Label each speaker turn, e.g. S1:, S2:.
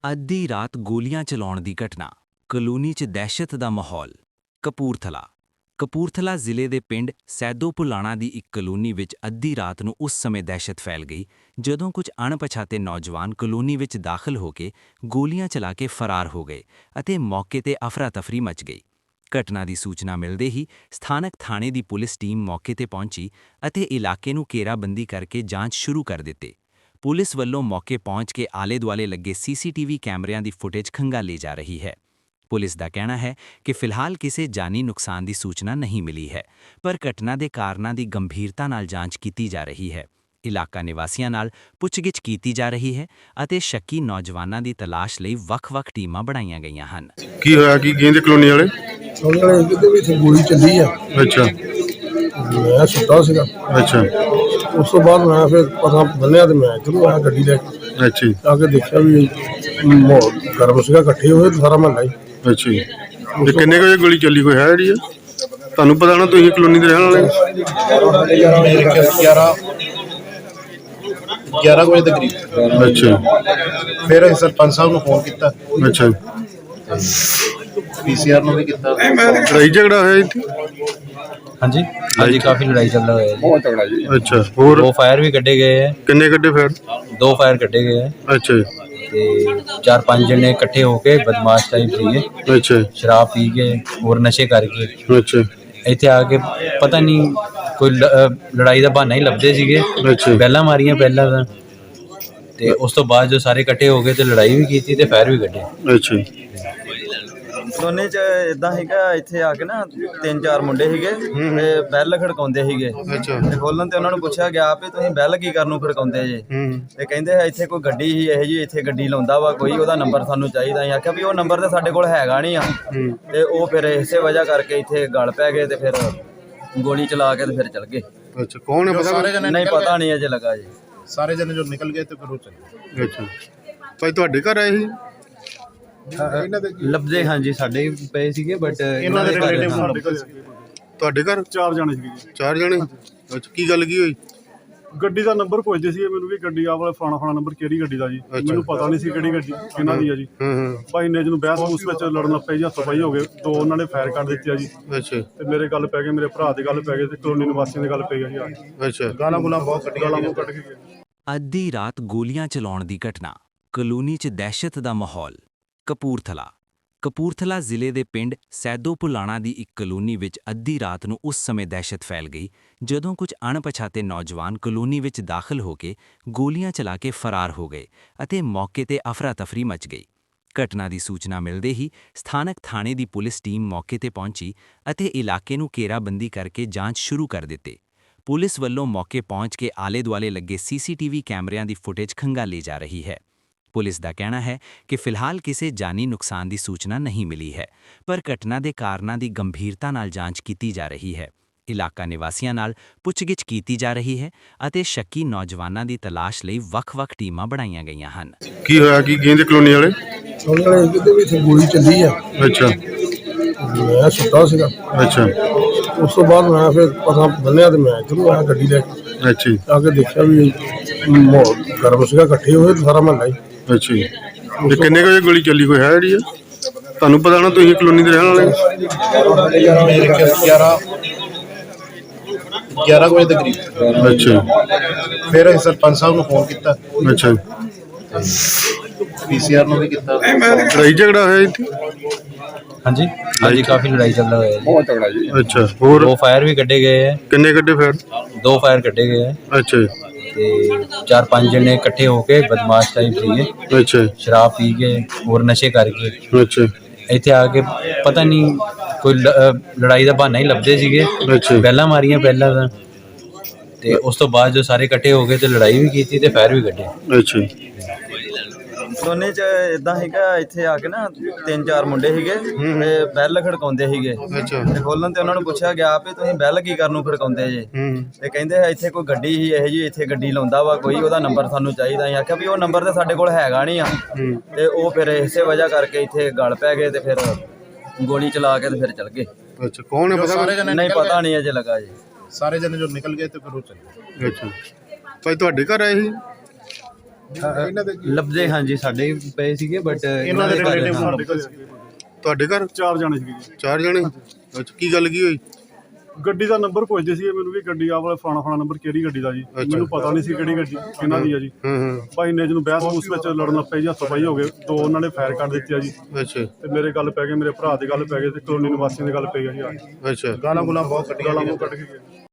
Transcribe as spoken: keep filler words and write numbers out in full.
S1: ਅੱਧੀ ਰਾਤ ਗੋਲੀਆਂ ਚਲਾਉਣ ਦੀ ਘਟਨਾ, ਕਲੋਨੀ 'ਚ ਦਹਿਸ਼ਤ ਦਾ ਮਾਹੌਲ। ਕਪੂਰਥਲਾ ਕਪੂਰਥਲਾ ਜ਼ਿਲ੍ਹੇ ਦੇ ਪਿੰਡ ਸੈਦੋ ਪੁਲਾਣਾ ਦੀ ਇੱਕ ਕਲੋਨੀ ਵਿੱਚ ਅੱਧੀ ਰਾਤ ਨੂੰ ਉਸ ਸਮੇਂ ਦਹਿਸ਼ਤ ਫੈਲ ਗਈ ਜਦੋਂ ਕੁਝ ਅਣਪਛਾਤੇ ਨੌਜਵਾਨ ਕਲੋਨੀ ਵਿੱਚ ਦਾਖਲ ਹੋ ਕੇ ਗੋਲੀਆਂ ਚਲਾ ਕੇ ਫਰਾਰ ਹੋ ਗਏ ਅਤੇ ਮੌਕੇ ਤੇ ਅਫਰਾ-ਤਫਰੀ ਮਚ ਗਈ। ਘਟਨਾ ਦੀ ਸੂਚਨਾ ਮਿਲਦੇ ਹੀ ਸਥਾਨਕ ਥਾਣੇ ਦੀ ਪੁਲਿਸ ਟੀਮ ਮੌਕੇ ਤੇ ਪਹੁੰਚੀ ਅਤੇ ਇਲਾਕੇ ਨੂੰ ਘੇਰਾਬੰਦੀ ਕਰਕੇ ਜਾਂਚ ਸ਼ੁਰੂ ਕਰ ਦਿੱਤੀ। ਪੁਲਿਸ ਵੱਲੋਂ ਮੌਕੇ ਪਹੁੰਚ ਕੇ ਆਲੇ-ਦੁਆਲੇ ਲੱਗੇ ਸੀਸੀਟੀਵੀ ਕੈਮਰਿਆਂ ਦੀ ਫੁਟੇਜ ਖੰਗਾਲੀ ਜਾ ਰਹੀ ਹੈ। ਪੁਲਿਸ ਦਾ ਕਹਿਣਾ ਹੈ ਕਿ ਫਿਲਹਾਲ ਕਿਸੇ ਜਾਨੀ ਨੁਕਸਾਨ ਦੀ ਸੂਚਨਾ ਨਹੀਂ ਮਿਲੀ ਹੈ, ਪਰ ਘਟਨਾ ਦੇ ਕਾਰਨਾਂ ਦੀ ਗੰਭੀਰਤਾ ਨਾਲ ਜਾਂਚ ਕੀਤੀ ਜਾ ਰਹੀ ਹੈ। ਇਲਾਕਾ ਨਿਵਾਸੀਆਂ ਨਾਲ ਪੁੱਛਗਿੱਛ ਕੀਤੀ ਜਾ ਰਹੀ ਹੈ ਅਤੇ ਸ਼ੱਕੀ ਨੌਜਵਾਨਾਂ ਦੀ ਤਲਾਸ਼ ਲਈ ਵੱਖ-ਵੱਖ ਟੀਮਾਂ ਬਣਾਈਆਂ ਗਈਆਂ ਹਨ।
S2: ਕੀ ਹੋਇਆ ਕੀ ਗੇਂਦ ਕਲੋਨੀ ਵਾਲੇ
S3: ਉਹਨੇ ਕਿਤੇ ਵੀ ਇੱਥੇ ਗੋਲੀ ਚੱਲੀ ਆ।
S2: ਅੱਛਾ
S3: ਮੈਂ ਸੁੱਤਾ ਸੀਗਾ।
S2: ਅੱਛਾ
S3: ਉਸ ਤੋਂ ਬਾਅਦ ਮੈਂ ਫਿਰ ਪਤਾ ਬੰਨਿਆ ਤੇ ਮੈਂ ਇੱਧਰੋਂ ਆਇਆ ਗੱਡੀ ਲੈ ਕੇ।
S2: ਅੱਛਾ ਜੀ,
S3: ਆ ਕੇ ਦੇਖਿਆ ਵੀ ਮਾਹੌਲ ਗਰਮ ਸੀਗਾ, ਇਕੱਠੇ ਹੋਏ ਤੇ ਸਾਰਾ ਮਹੱਲਾ ਹੀ।
S2: ਅੱਛਾ ਜੀ। ਤੇ ਕਿੰਨੇ ਕੁ ਵਜੇ ਗੋਲੀ ਚੱਲੀ, ਕੋਈ ਹੈ ਜਿਹੜੀ ਆ ਤੁਹਾਨੂੰ ਪਤਾ ਨਾ, ਤੁਸੀਂ ਕਲੋਨੀ ਦੇ ਰਹਿਣ ਵਾਲੇ?
S4: ਮੇਰੇ ਖਿਆਲ ਗਿਆਰਾਂ ਗਿਆਰਾਂ ਵਜੇ ਦੇ ਕਰੀਬ।
S2: ਅੱਛਾ
S4: ਫਿਰ ਅਸੀਂ ਸਰਪੰਚ ਸਾਹਿਬ ਨੂੰ ਫੋਨ ਕੀਤਾ,
S2: ਅੱਛਾ।
S4: ਪੀਸੀਆਰ ਨੂੰ ਵੀ ਕੀਤਾ।
S2: ਲੜਾਈ ਝਗੜਾ ਹੋਇਆ ਇੱਥੇ?
S5: ਹਾਂਜੀ ਹਾਂਜੀ ਕਾਫੀ ਲੜਾਈ ਚੱਲ रहा है,
S4: ਬਹੁਤ ਤਗੜਾ ਜੀ।
S2: ਅੱਛਾ, ਹੋਰ
S5: दो फायर भी कटे गए हैं।
S2: ਕਿੰਨੇ ਕੱਢੇ ਫਿਰ?
S5: दो फायर कटे गए हैं
S2: ਅੱਛਾ ਜੀ,
S5: ਤੇ ਚਾਰ ਪੰਜ ਜਣੇ ਇਕੱਠੇ ਹੋ ਕੇ ਬਦਮਾਸ਼ ਟਾਈਪ ਸੀਗੇ,
S2: ਅੱਛਾ
S5: ਸ਼ਰਾਬ ਪੀ ਕੇ ਹੋਰ ਨਸ਼ੇ ਕਰਕੇ
S2: ਅੱਛਾ
S5: ਇੱਥੇ ਆ ਕੇ ਪਤਾ ਨਹੀਂ ਕੋਈ ਲ- ਅਹ ਲੜਾਈ ਦਾ ਬਹਾਨਾ ਹੀ ਲੱਭਦੇ ਸੀਗੇ।
S2: ਅੱਛਾ
S5: ਪਹਿਲਾਂ ਮਾਰੀਆਂ ਪਹਿਲਾਂ ਤਾਂ, ਤੇ ਉਸ ਤੋਂ ਬਾਅਦ ਜੋ ਸਾਰੇ ਇਕੱਠੇ ਹੋ ਗਏ ਤੇ ਲੜਾਈ ਵੀ ਕੀਤੀ ਤੇ ਫਾਇਰ ਵੀ ਕੱਢੇ।
S2: ਅੱਛਾ ਜੀ।
S6: ਦੋਨੇ ਚ ਇਦਾਂ ਸੀਗਾ, ਇੱਥੇ ਆ ਕੇ ਨਾ ਤਿੰਨ ਚਾਰ ਮੁੰਡੇ ਸੀਗੇ ਤੇ ਬੈਲ ਖੜਕਾਉਂਦੇ ਸੀਗੇ।
S2: ਅੱਛਾ
S6: ਤੇ ਖੋਲਣ ਤੇ ਉਹਨਾਂ ਨੂੰ ਪੁੱਛਿਆ ਗਿਆ ਵੀ ਤੁਸੀਂ ਬੈਲ ਕੀ ਕਰਨ ਨੂੰ ਖੜਕਾਉਂਦੇ ਜੇ?
S2: ਹੂੰ
S6: ਤੇ ਕਹਿੰਦੇ ਇੱਥੇ ਕੋਈ ਗੱਡੀ ਸੀ, ਇਹੋ ਜਿਹੀ ਇੱਥੇ ਗੱਡੀ ਲਾਉਂਦਾ ਵਾ ਕੋਈ, ਉਹਦਾ ਨੰਬਰ ਸਾਨੂੰ ਚਾਹੀਦਾ। ਅਸੀਂ ਆਖਿਆ ਵੀ ਉਹ ਨੰਬਰ ਤੇ ਸਾਡੇ ਕੋਲ ਹੈਗਾ ਨਹੀਂ ਆ।
S2: ਹੂੰ
S6: ਤੇ ਉਹ ਫਿਰ ਇਸੇ ਵਜ੍ਹਾ ਕਰਕੇ ਇੱਥੇ ਗਲ ਪੈ ਗਏ ਤੇ ਫਿਰ ਗੋਲੀ ਚਲਾ ਕੇ ਤੇ ਫਿਰ ਚਲ ਗਏ।
S2: ਅੱਛਾ, ਕੌਣ ਹੈ ਪਤਾ?
S4: ਸਾਰੇ ਜਣੇ
S6: ਨਹੀਂ ਪਤਾ ਨਹੀਂ ਅਜੇ ਲੱਗਾ ਜੀ।
S4: ਸਾਰੇ ਜਣੇ ਜੋ ਨਿਕਲ ਗਏ ਤੇ ਫਿਰ ਉਹ ਚੱਲੇ।
S2: ਅੱਛਾ ਭਾਈ, ਤੁਹਾਡੇ ਘਰ ਆਏ ਸੀ?
S6: ਲੱਭਦੇ ਹਾਂਜੀ ਸਾਡੇ ਪਏ ਸੀਗੇ, ਬਟ
S4: ਇਹਨਾਂ ਦੇ ਰਿਲੇਟਿਵ ਸਾਡੇ ਕੋਲ
S2: ਤੁਹਾਡੇ ਘਰ
S7: ਚਾਰ ਜਾਣੇ ਸੀਗੇ।
S2: ਚਾਰ ਜਣੇ? ਅੱਛਾ, ਕੀ ਗੱਲ ਕੀ ਹੋਈ?
S7: ਗੱਡੀ ਦਾ ਨੰਬਰ ਪੁੱਛਦੇ ਸੀਗੇ ਮੈਨੂੰ ਵੀ ਗੱਡੀ ਆ ਵਾਲਾ ਫਲਾਣਾ ਫਲਾਣਾ ਨੰਬਰ ਕਿਹੜੀ ਗੱਡੀ ਦਾ ਜੀ। ਮੈਨੂੰ ਪਤਾ ਨਹੀਂ ਸੀ ਕਿਹੜੀ ਗੱਡੀ ਕਿਹਨਾਂ ਦੀ ਆ ਜੀ।
S2: ਹਾਂ ਹਾਂ
S7: ਭਾਈ ਨੇ ਜਿਹਨੂੰ ਬਹਿਸ ਉਸ ਵਿੱਚ ਲੜਨ ਲੱਗ ਪਏ ਜੀ, ਹੱਥੋਂ ਪਾਈ ਹੋ ਗਏ। ਦੋ ਉਹਨਾਂ ਨੇ ਫਾਇਰ ਕਰ ਦਿੱਤੇ ਆ ਜੀ
S2: ਅੱਛਾ
S7: ਤੇ ਮੇਰੇ ਗੱਲ ਪੈ ਗਏ, ਮੇਰੇ ਭਰਾ ਦੇ ਗੱਲ ਪੈ ਗਏ ਤੇ ਕਲੋਨੀ ਨਿਵਾਸੀਆਂ ਦੇ ਗੱਲ ਪੈ ਗਈ ਜੀ।
S2: ਅੱਛਾ।
S4: ਗਾਲਾਂ ਗੁਲਾਂ ਬਹੁਤ ਕੱਢੀਆਂ
S7: ਗਾਲਾਂ ਮੂੰਹ ਕੱਢ ਕੇ ਗਏ।
S1: ਅੱਧੀ ਰਾਤ ਗੋਲੀਆਂ ਚਲਾਉਣ ਦੀ ਘਟਨਾ, ਕਲੋਨੀ 'ਚ ਦਹਿਸ਼ਤ ਦਾ ਮਾਹੌਲ। ਕਪੂਰਥਲਾ ਕਪੂਰਥਲਾ ਜ਼ਿਲ੍ਹੇ ਦੇ ਪਿੰਡ ਸੈਦੋ ਪੁਲਾਣਾ ਦੀ ਇੱਕ ਕਲੋਨੀ ਵਿੱਚ ਅੱਧੀ ਰਾਤ ਨੂੰ ਉਸ ਸਮੇਂ ਦਹਿਸ਼ਤ ਫੈਲ ਗਈ ਜਦੋਂ ਕੁਝ ਅਣਪਛਾਤੇ ਨੌਜਵਾਨ ਕਲੋਨੀ ਵਿੱਚ ਦਾਖਲ ਹੋ ਕੇ ਗੋਲੀਆਂ ਚਲਾ ਕੇ ਫਰਾਰ ਹੋ ਗਏ ਅਤੇ ਮੌਕੇ ਤੇ ਅਫਰਾ-ਤਫਰੀ ਮਚ ਗਈ। ਘਟਨਾ ਦੀ ਸੂਚਨਾ ਮਿਲਦੇ ਹੀ ਸਥਾਨਕ ਥਾਣੇ ਦੀ ਪੁਲਿਸ ਟੀਮ ਮੌਕੇ ਤੇ ਪਹੁੰਚੀ ਅਤੇ ਇਲਾਕੇ ਨੂੰ ਘੇਰਾਬੰਦੀ ਕਰਕੇ ਜਾਂਚ ਸ਼ੁਰੂ ਕਰ ਦਿੱਤੀ। ਪੁਲਿਸ ਵੱਲੋਂ ਮੌਕੇ ਪਹੁੰਚ ਕੇ ਆਲੇ-ਦੁਆਲੇ ਲੱਗੇ ਸੀਸੀਟੀਵੀ ਕੈਮਰਿਆਂ ਦੀ ਫੁਟੇਜ ਖੰਗਾਲੀ ਜਾ ਰਹੀ ਹੈ। ਪੁਲਿਸ ਦਾ ਕਹਿਣਾ ਹੈ ਕਿ ਫਿਲਹਾਲ ਕਿਸੇ ਜਾਨੀ ਨੁਕਸਾਨ ਦੀ ਸੂਚਨਾ ਨਹੀਂ ਮਿਲੀ ਹੈ, ਪਰ ਘਟਨਾ ਦੇ ਕਾਰਨਾਂ ਦੀ ਗੰਭੀਰਤਾ ਨਾਲ ਜਾਂਚ ਕੀਤੀ ਜਾ ਰਹੀ ਹੈ। ਇਲਾਕਾ ਨਿਵਾਸੀਆਂ ਨਾਲ ਪੁੱਛਗਿੱਛ ਕੀਤੀ ਜਾ ਰਹੀ ਹੈ ਅਤੇ ਸ਼ੱਕੀ ਨੌਜਵਾਨਾਂ ਦੀ ਤਲਾਸ਼ ਲਈ ਵੱਖ-ਵੱਖ ਟੀਮਾਂ ਬਣਾਈਆਂ ਗਈਆਂ ਹਨ।
S2: ਕੀ ਹੋਇਆ ਕੀ ਗੇਂਦ ਕਲੋਨੀ ਵਾਲੇ?
S3: ਉਹਨੇ ਕਿਤੇ ਵੀ ਇੱਥੇ ਗੋਲੀ ਚੱਲੀ ਆ।
S2: ਅੱਛਾ
S3: ਮੈਂ ਸੁੱਤਾ ਸੀਗਾ।
S2: ਅੱਛਾ
S3: ਉਸ ਤੋਂ ਬਾਅਦ ਮੈਂ ਫਿਰ ਪਤਾ ਬੰਨਿਆ ਤੇ ਮੈਂ ਇੱਧਰੋਂ ਆਇਆ ਗੱਡੀ ਲੈ ਕੇ।
S2: ਅੱਛਾ ਜੀ,
S3: ਆ ਕੇ ਦੇਖਿਆ ਵੀ ਮਾਹੌਲ ਗਰਮ ਸੀਗਾ, ਇਕੱਠੇ ਹੋਏ ਤੇ ਸਾਰਾ ਮਹੱਲਾ ਹੀ।
S2: ਅੱਛਾ ਜੀ। ਤੇ ਕਿੰਨੇ ਕੁ ਵਜੇ ਗੋਲੀ ਚੱਲੀ, ਕੋਈ ਹੈ ਜਿਹੜੀ ਆ ਤੁਹਾਨੂੰ ਪਤਾ ਨਾ, ਤੁਸੀਂ ਕਲੋਨੀ ਦੇ ਰਹਿਣ ਵਾਲੇ?
S4: ਮੇਰੇ ਖਿਆਲ ਗਿਆਰਾਂ ਗਿਆਰਾਂ ਵਜੇ ਦੇ ਕਰੀਬ।
S2: ਅੱਛਾ
S4: ਫਿਰ ਅਸੀਂ ਸਰਪੰਚ ਸਾਹਿਬ ਨੂੰ ਫੋਨ ਕੀਤਾ,
S2: ਅੱਛਾ।
S4: ਪੀਸੀਆਰ ਨੂੰ ਵੀ ਕੀਤਾ।
S2: ਲੜਾਈ ਝਗੜਾ ਹੋਇਆ ਇੱਥੇ?
S5: ਹਾਂਜੀ ਹਾਂਜੀ ਕਾਫੀ ਲੜਾਈ ਚੱਲ रहा है,
S4: ਬਹੁਤ ਤਗੜਾ ਜੀ।
S2: ਅੱਛਾ, ਹੋਰ
S5: दो फायर भी कटे गए हैं।
S2: ਕਿੰਨੇ ਕੱਢੇ ਫਿਰ?
S5: दो फायर कटे गए हैं
S2: ਅੱਛਾ
S5: ਤੇ ਚਾਰ ਪੰਜ ਜਣੇ ਇਕੱਠੇ ਹੋ ਕੇ ਬਦਮਾਸ਼ ਟਾਈਪ ਸੀਗੇ,
S2: ਅੱਛਾ
S5: ਸ਼ਰਾਬ ਪੀ ਕੇ ਹੋਰ ਨਸ਼ੇ ਕਰਕੇ
S2: ਅੱਛਾ
S5: ਇੱਥੇ ਆ ਕੇ ਪਤਾ ਨਹੀਂ ਕੋਈ ਲ- ਅਹ ਲੜਾਈ ਦਾ ਬਹਾਨਾ ਹੀ ਲੱਭਦੇ ਸੀਗੇ।
S2: ਅੱਛਾ
S5: ਪਹਿਲਾਂ ਮਾਰੀਆਂ ਪਹਿਲਾਂ ਤਾਂ, ਤੇ ਉਸ ਤੋਂ ਬਾਅਦ ਜੋ ਸਾਰੇ ਇਕੱਠੇ ਹੋ ਗਏ ਤੇ ਲੜਾਈ ਵੀ ਕੀਤੀ ਤੇ ਫਾਇਰ ਵੀ ਕੱਢੇ।
S2: ਅੱਛਾ
S6: ਦੋਨੇ ਚ ਇਦਾਂ ਸੀਗਾ, ਇੱਥੇ ਆ ਕੇ ਨਾ ਤਿੰਨ ਚਾਰ ਮੁੰਡੇ ਸੀਗੇ ਤੇ ਬੈਲ ਖੜਕਾਉਂਦੇ ਸੀਗੇ।
S2: ਅੱਛਾ
S6: ਤੇ ਖੋਲਣ ਤੇ ਉਹਨਾਂ ਨੂੰ ਪੁੱਛਿਆ ਗਿਆ ਵੀ ਤੁਸੀਂ ਬੈਲ ਕੀ ਕਰਨ ਨੂੰ ਖੜਕਾਉਂਦੇ ਜੇ?
S2: ਹੂੰ
S6: ਤੇ ਕਹਿੰਦੇ ਇੱਥੇ ਕੋਈ ਗੱਡੀ ਸੀ, ਇਹੋ ਜਿਹੀ ਇੱਥੇ ਗੱਡੀ ਲਾਉਂਦਾ ਵਾ ਕੋਈ, ਉਹਦਾ ਨੰਬਰ ਸਾਨੂੰ ਚਾਹੀਦਾ। ਅਸੀਂ ਆਖਿਆ ਵੀ ਉਹ ਨੰਬਰ ਤੇ ਸਾਡੇ ਕੋਲ ਹੈਗਾ ਨਹੀਂ ਆ।
S2: ਹੂੰ
S6: ਤੇ ਉਹ ਫਿਰ ਇਸੇ ਵਜ੍ਹਾ ਕਰਕੇ ਇੱਥੇ ਗਲ ਪੈ ਗਏ ਤੇ ਫਿਰ ਗੋਲੀ ਚਲਾ ਕੇ ਤੇ ਫਿਰ ਚਲ ਗਏ।
S2: ਅੱਛਾ, ਕੌਣ ਹੈ ਪਤਾ?
S4: ਸਾਰੇ ਜਣੇ
S6: ਨਹੀਂ ਪਤਾ ਨਹੀਂ ਅਜੇ ਲੱਗਾ ਜੀ।
S4: ਸਾਰੇ ਜਣੇ ਜੋ ਨਿਕਲ ਗਏ ਤੇ ਫਿਰ ਉਹ ਚੱਲੇ।
S2: ਅੱਛਾ ਭਾਈ, ਤੁਹਾਡੇ ਘਰ ਆਏ ਸੀ?
S4: ਇਹਨਾਂ ਦੇ
S5: ਲੱਭਦੇ ਹਾਂਜੀ ਸਾਡੇ ਵੀ ਪਏ ਸੀਗੇ ਬਟ
S4: ਇਹਨਾਂ ਦੇ relative
S5: ਹਾਂ।
S7: ਸਾਡੇ ਘਰੇ ਸੀਗੇ।
S2: ਤੁਹਾਡੇ ਘਰ
S7: ਚਾਰ ਜਾਣੇ ਸੀਗੇ ਜੀ।
S2: ਚਾਰ ਜਣੇ ਅੱਛਾ ਕੀ ਗੱਲ ਕੀ ਹੋਈ
S7: ਗੱਡੀ ਦਾ ਨੰਬਰ ਪੁੱਛਦੇ ਸੀਗੇ ਮੈਨੂੰ ਵੀ ਗੱਡੀ ਆ ਵਾਲਾ ਫਲਾਣਾ ਫਲਾਣਾ ਨੰਬਰ ਕਿਹੜੀ ਗੱਡੀ ਦਾ ਜੀ ਮੈਨੂੰ ਪਤਾ ਨਹੀਂ ਸੀ ਕਿਹੜੀ ਗੱਡੀ ਕਿਹਨਾਂ ਦੀ ਆ ਜੀ
S2: ਹੂੰ ਹੂੰ
S7: ਭਾਈ ਨੇ ਜਿਹਨੂੰ ਬਹਿਸ ਉਸ ਵਿੱਚ ਲੜਨ ਲੱਗ ਪਏ ਜੀ ਹੱਥੋਂ ਪਾਈ ਹੋ ਗਏ ਦੋ ਉਹਨਾਂ ਨੇ ਫਾਇਰ ਕਰ ਦਿੱਤੇ ਆ ਜੀ
S2: ਅੱਛਾ
S7: ਤੇ ਮੇਰੇ ਗੱਲ ਪੈ ਗਏ ਮੇਰੇ ਭਰਾ ਦੇ ਗੱਲ ਪੈ ਗਏ ਤੇ ਕਲੋਨੀ ਨਿਵਾਸੀਆਂ ਦੇ ਗੱਲ ਪੈ ਗਈ ਆ ਜੀ
S2: ਅੱਛਾ
S4: ਗਾਲਾਂ ਗੁਲਾਂ ਬਹੁਤ ਕੱਢੀਆਂ
S7: ਗਾਲਾਂ ਮੂੰਹ ਕੱਢ ਕੇ ਗਏ।